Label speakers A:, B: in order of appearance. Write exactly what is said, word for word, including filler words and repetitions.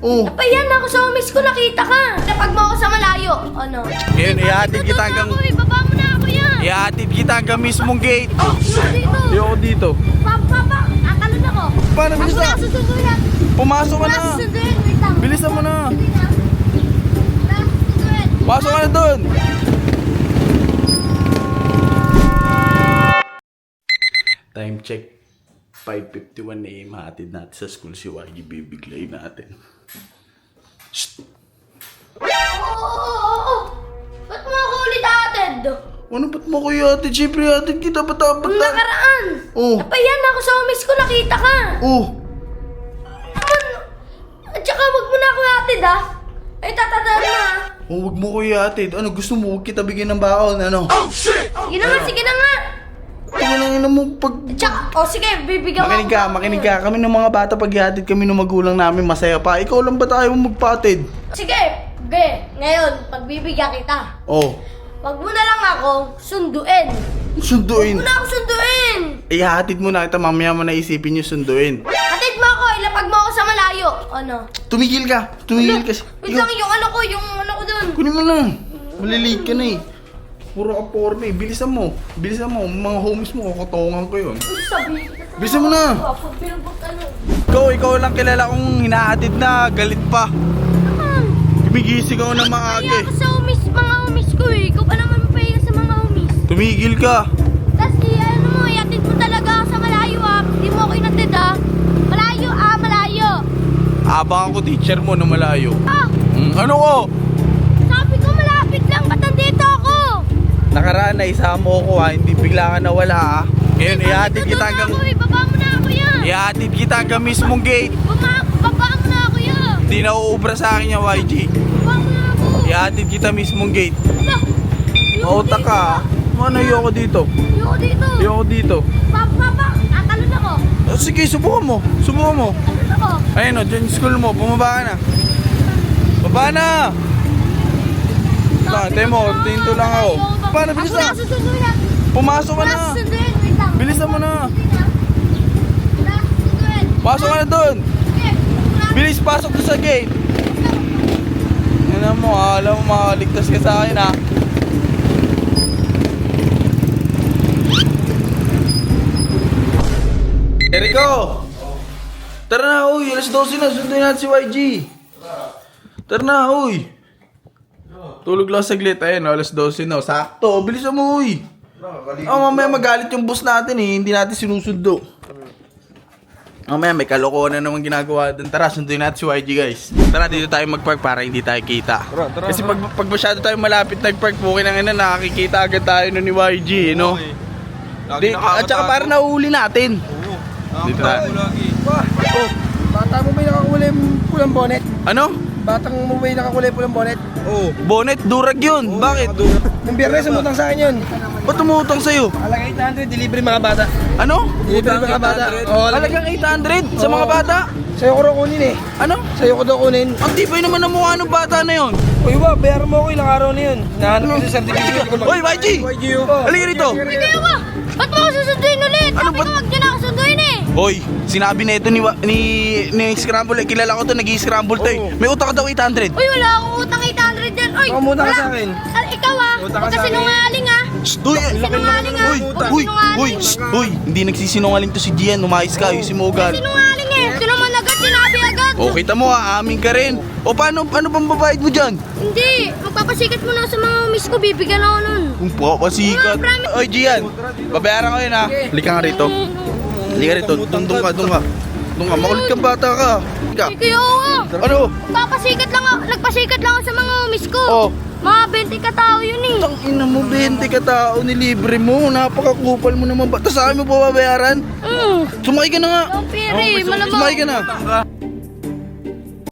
A: Oh.
B: Napayan ako sa homies ko, nakita ka. Napag mo ako sa malayo. Ano?
A: Ngayon, ihatid kita hanggang...
B: Ako, ibaba mo na ako yan.
A: Ihatid kita hanggang mismong gate.
B: Dito.
A: Ayoko dito.
B: Papa, papa, atalon ako.
A: Paano, bilis
B: Ako
A: na?
B: na susunduin.
A: Pumasok ka
B: Ako
A: na.
B: na susunduin. Wait lang.
A: Bilisan mo na.
B: Wala, susunduin.
A: Pasok ka na doon. Time check. five fifty-one a m hatid natin sa school si Y G. Bibiglayin natin. Shh!
B: Oo, oo, oo. Ba't mo ako ulit atid?
A: Ano ba't mo kuya atid? Siyempre atid kita ba't dapat
B: Nung nakaraan.
A: Oh.
B: Napayan ako sa homies ko, nakita ka.
A: Oh.
B: Naman. At saka wag mo na ako atid ah. Ay, tatadaan na ah.
A: Oh, wag mo kuya atid. Ano gusto mo? Huwag kita bigyan ng baon. Ano? Oh shit!
B: Sige na nga, sige na nga.
A: Ano lang ina mo pag...
B: At saka, oh sige, bibigyan mo
A: Makinig ka,
B: ako.
A: makinig ka. Kami ng mga bata pag ihatid kami ng magulang namin masaya pa. Ikaw lang ba tayo magpatid?
B: Sige, ge. Ngayon, pagbibigyan kita.
A: Oh.
B: Wag mo na lang ako sunduin.
A: Sunduin.
B: Wag mo na ako sunduin.
A: Ihatid mo na kita, mamaya mo na isipin yung sunduin.
B: Hatid mo ako, ilapag mo ako sa malayo. Ano?
A: Tumigil ka. Tumigil kasi.
B: Wait lang, yung ano ko, yung ano ko dun.
A: Kunin mo na. Malilate ka na eh. Puro ka porme. Bilisan mo. Bilisan mo. Mga homies mo, kukutongan ko yun.
B: Ano sabihin?
A: Bilisan mo na.
B: Pag pinabot ano.
A: Ikaw, ikaw lang kilala kong hinahatid na galit pa.
B: Naman.
A: Tumigising ako ng maaga
B: Kaya
A: eh.
B: ako sa homies, mga homies ko eh. Ikaw pa naman mapahiya sa mga homies.
A: Tumigil ka.
B: Tapos di, ano mo, iatid mo talaga ako sa malayo ah. Di mo ako inatid ah. Malayo ah, malayo.
A: Abangan ko teacher mo na malayo.
B: Ah,
A: Hmm, ano ko?
B: sabi ko malapit lang, ba't nandito ako?
A: Nakaraan na isama ko ha. Hindi bigla ka nawala ha. Ngayon, ihatid kita hanggang...
B: Ako, ibaba mo na ako yan.
A: Ihatid kita hanggang mismong gate.
B: Baba, baba mo na ako yan.
A: Hindi na uubra sa akin yung Y G.
B: Baba mo na ako.
A: Ihatid kita mismong gate.
B: Ala, ayoko
A: Mautak
B: dito.
A: ka ha. Ano, ayoko dito.
B: Ayoko dito.
A: Ayoko dito.
B: Papa, papa, tatalon ako.
A: Oh, sige, subukan mo. Subukan mo.
B: Talon ako.
A: Ayun o, dyan yung school mo. Bumaba ka na. Baba na! Ba,
B: Sabi
A: demo,
B: ko na,
A: tinto lang ako.
B: ayoko.
A: Paano, bilis
B: Ako
A: na.
B: na, susunduin na.
A: Pumasok ka
B: Ako
A: na.
B: na, susunduin. Wait lang.
A: Bilisan mo na.
B: Wala, susunduin.
A: Pasok ka na doon.
B: Sige, wala.
A: Bilis, pasok doon sa gate. Ano mo, ha? Alam mo, makaligtas ka sa akin ha. Eriko! Tara na, uy. alas dose na. Sunduin natin si Y G. Tara na, uy. Tulog lang saglit. Ayun, alas dose na. Sakto. Bilisan mo, uy. Oh, mamaya magalit yung boss natin eh. Hindi natin sinusundo. Mamaya may kalokohan na naman ginagawa doon. Tara, sunduin natin si Y G, guys. Tara, dito tayo magpark para hindi tayo kita.
C: Tara, tara,
A: Kasi
C: tara.
A: pag, pag masyado tayo malapit nagpark, bukin ang ina, nakakikita agad tayo nun ni Y G, eh, no? Di, at saka para nauuli natin. Dito tayo.
C: Oh, bata mo ba yung nakakulay pulang bonnet?
A: Ano?
C: Batang mo ba yung nakakulay pulang bonnet? Oo.
A: Bonnet, durag yun. Bakit?
C: Nung biyernes, umutang sa akin yun.
A: Ba't tumutang sa'yo?
C: Halaga eight hundred, delivery mga bata.
A: Ano?
C: Delivery mga bata. Oo,
A: Halagang eight hundred sa mga
C: Oo.
A: bata?
C: Sa'yo ko raw kunin eh.
A: Ano?
C: Sa'yo ko daw kunin.
A: Ang tibay naman ng mukha ng bata na yun.
C: Uy, ba, bayaran mo ako ilang araw na yun. Nahanap ko sa certificate ko.
A: Oy, Y G!
C: Y G, oh.
A: Halika rito.
B: Hindi ako. Ba't mo ako susunduin ulit?
A: Ano
B: Sabi
A: ba-
B: ko, wag niyo na ako sunduin eh.
A: Hoy, sinabi na ito ni, wa- ni, ni Scramble, eh, kilala ko to, nag-i-scramble to eh.
C: Oo.
A: May utak ka daw eight hundred.
B: Uy, wala akong utang eight hundred dyan. Uy,
C: Baka umutang ka
B: wala.
C: sa akin.
B: Ah, ikaw ah.
C: Utang ka
B: Huwag
C: sa
B: ka
C: akin.
B: sinungaling ah.
A: Shh, Uy,
B: Huwag sinungaling ah.
A: Uy,
B: Huwag
A: uy,
B: sinungaling.
A: uy, shh, uy, hindi nagsisinungaling to si Gian, umayos ka, ayusin mo ugal.
B: Sinungaling eh. Ito naman agad, sinabi agad.
A: O, kita mo ha, amin ka rin. O, paano, paano bang babayad mo dyan?
B: Hindi, magpapasikat mo na sa mga miss ko, bibigyan ako nun.
A: Kung papasikat. Oy, Gian, babayaran ko yun ha. Halika nga rito. Halika rito, doon doon ka, doon ka. Doon ka, makulit kang bata ka. Halika.
B: Hindi kayo nga.
A: Ano?
B: Magpapasikat lang ako, nagpasikat lang ako sa mga miss ko.
A: Oh.
B: Mga twenty ka tao yun eh.
A: Tang ina mo, bente ka tao, nilibre mo. Napakakupal mo naman ba? Tapos sa akin mo pa babayaran?
B: Mm.
A: Sumakay ka na nga.
B: Don't pere, malamang.
A: Sumakay ka na.